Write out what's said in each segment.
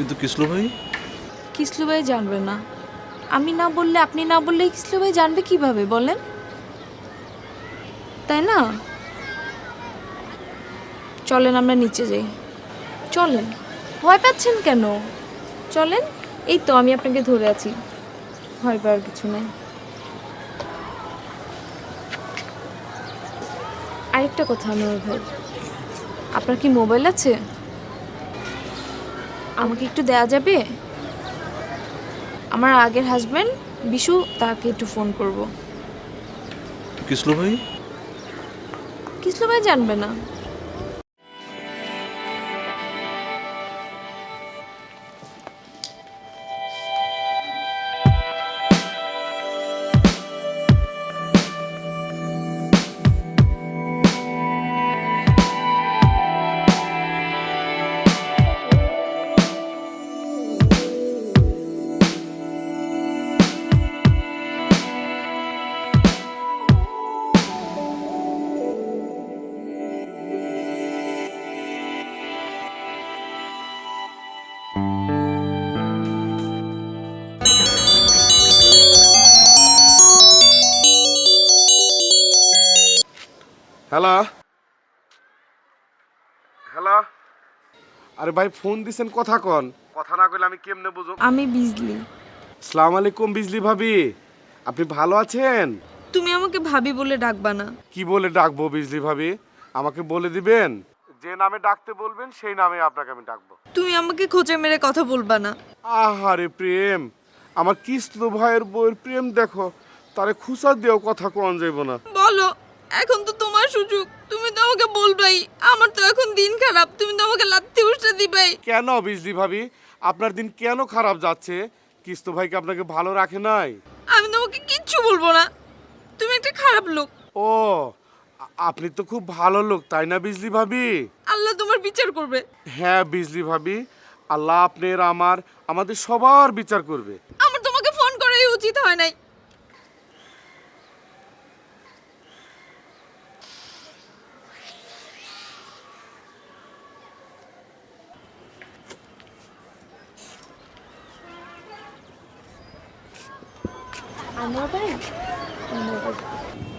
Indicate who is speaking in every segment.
Speaker 1: কিন্তু কিসলু ভাই?
Speaker 2: কিসলু ভাই জানবে না। আমি না বললে, আপনি না বললে কিসলু ভাই জানবে কিভাবে বলেন? তাই না? চলেন আমরা নিচে যাই। চলেন, ভয় পাচ্ছেন কেন? চলেন। এই তো আমি আপনাকে ধরে আছি, ভয় পাওয়ার কিছু নাই। আরেকটা কথা আনোয়ার ভাই, আপনার কি মোবাইল আছে? আমাকে একটু দেয়া যাবে? আমার আগের হাজবেন্ড বিশু, তাকে একটু ফোন করব।
Speaker 1: কিসলু ভাই?
Speaker 2: কিসলু ভাই জানবে না।
Speaker 3: হ্যালো হ্যালো, আরে ভাই ফোন দিছেন, কথা কন। কথা না কইলে আমি কেমনে বুঝব?
Speaker 2: আমি বিজলি।
Speaker 3: আসসালামু আলাইকুম বিজলি ভাবি, আপনি ভালো আছেন?
Speaker 2: তুমি আমাকে ভাবি বলে ডাকবা না।
Speaker 3: কি বলে ডাকবো বিজলি ভাবি? আমাকে বলে দিবেন, যে নামে ডাকতে বলবেন সেই নামে আপনাকে আমি ডাকবো।
Speaker 2: তুমি আমাকে খোঁচে মেরে কথা বলবা না।
Speaker 3: আহারে প্রেম, আমার কিসলু ভাইয়ের বউয়ের প্রেম দেখো, তারে খুচা দিয়েও কথা কোন যাইব না।
Speaker 2: বলো, এখন তো তোমার সুযোগ, তুমি তো আমাকে বলবাই। আমার তো এখন দিন খারাপ, তুমি তো আমাকে লাত্তি উষ্টা দিবাই।
Speaker 3: কেন বিজলি ভাবি, আপনার দিন কেন খারাপ যাচ্ছে? কিসলু ভাইকে আপনাকে ভালো রাখে নাই?
Speaker 2: আমি তোমাকে কিচ্ছু বলবো না, তুমি একটা খারাপ লোক।
Speaker 3: ও, আপনি তো খুব ভালো লোক তাই না বিজলি ভাবি?
Speaker 2: আল্লাহ তোমার বিচার করবে।
Speaker 3: হ্যাঁ বিজলি ভাবি, আল্লাহ আপনার আমাদের সবার বিচার করবে।
Speaker 2: আমার তোমাকে ফোন করাই উচিত হয় নাই। আনোয়ার ভাই, আনোয়ার ভাই।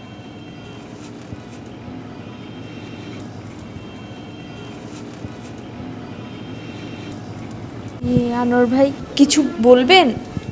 Speaker 2: আনোয়ার ভাই কিছু বলবেন?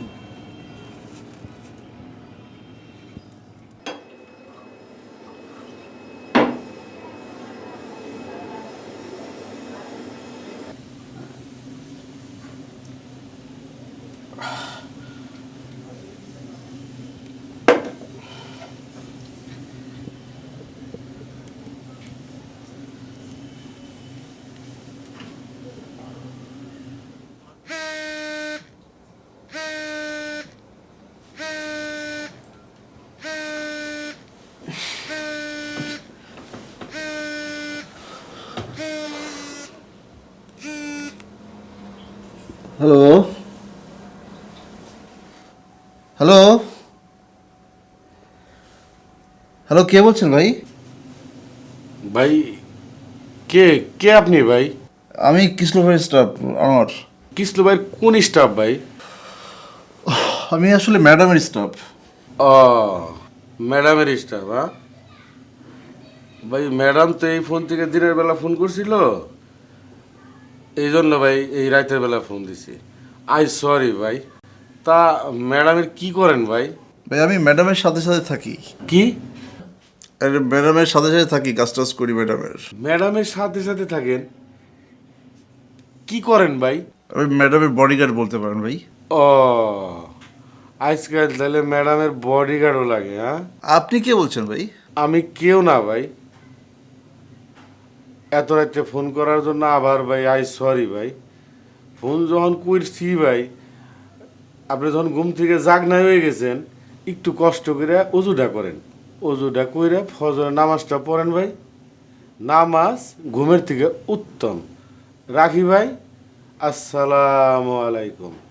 Speaker 1: হ্যালো হ্যালো হ্যালো, কে বলছেন ভাই?
Speaker 3: ভাই কে কে আপনি ভাই?
Speaker 1: আমি কিসলু ভাইয়ের স্টাফ আমার।
Speaker 3: কিসলু ভাইয়ের কোন স্টাফ ভাই?
Speaker 1: আমি আসলে ম্যাডামের স্টাফ।
Speaker 3: ও, ম্যাডামের স্টাফ। হ্যাঁ ভাই, ম্যাডাম তো এই ফোন থেকে দিনের বেলা ফোন করছিল, এই জন্য ভাই এই রাতের বেলা ফোন দিছি। আই সরি ভাই। তা ম্যাডামের কি করেন ভাই?
Speaker 1: ভাই আমি ম্যাডামের সাথে সাথে থাকি।
Speaker 3: কি?
Speaker 1: আরে ম্যাডামের সাথে সাথে থাকি, কাজ টাজ করি ম্যাডামের।
Speaker 3: ম্যাডামের সাথে সাথে থাকেন? কি করেন ভাই?
Speaker 1: আমি ম্যাডামের বডিগার্ড বলতে পারেন ভাই।
Speaker 3: ও, আজকাল তাহলে ম্যাডামের বডিগার্ডও লাগে? হ্যাঁ,
Speaker 1: আপনি কে বলছেন ভাই?
Speaker 3: আমি কেউ না ভাই। এত রাত্রে ফোন করার জন্য আবার ভাই আই সরি ভাই। ফোন যখন করছি ভাই, আপনি যখন ঘুম থেকে জাগনায় হয়ে গেছেন, একটু কষ্ট করে অজুটা করেন। অজুটা করে ফজরের নামাজটা পড়েন ভাই। নামাজ ঘুমের থেকে উত্তম। রাখি ভাই, আসসালামু আলাইকুম।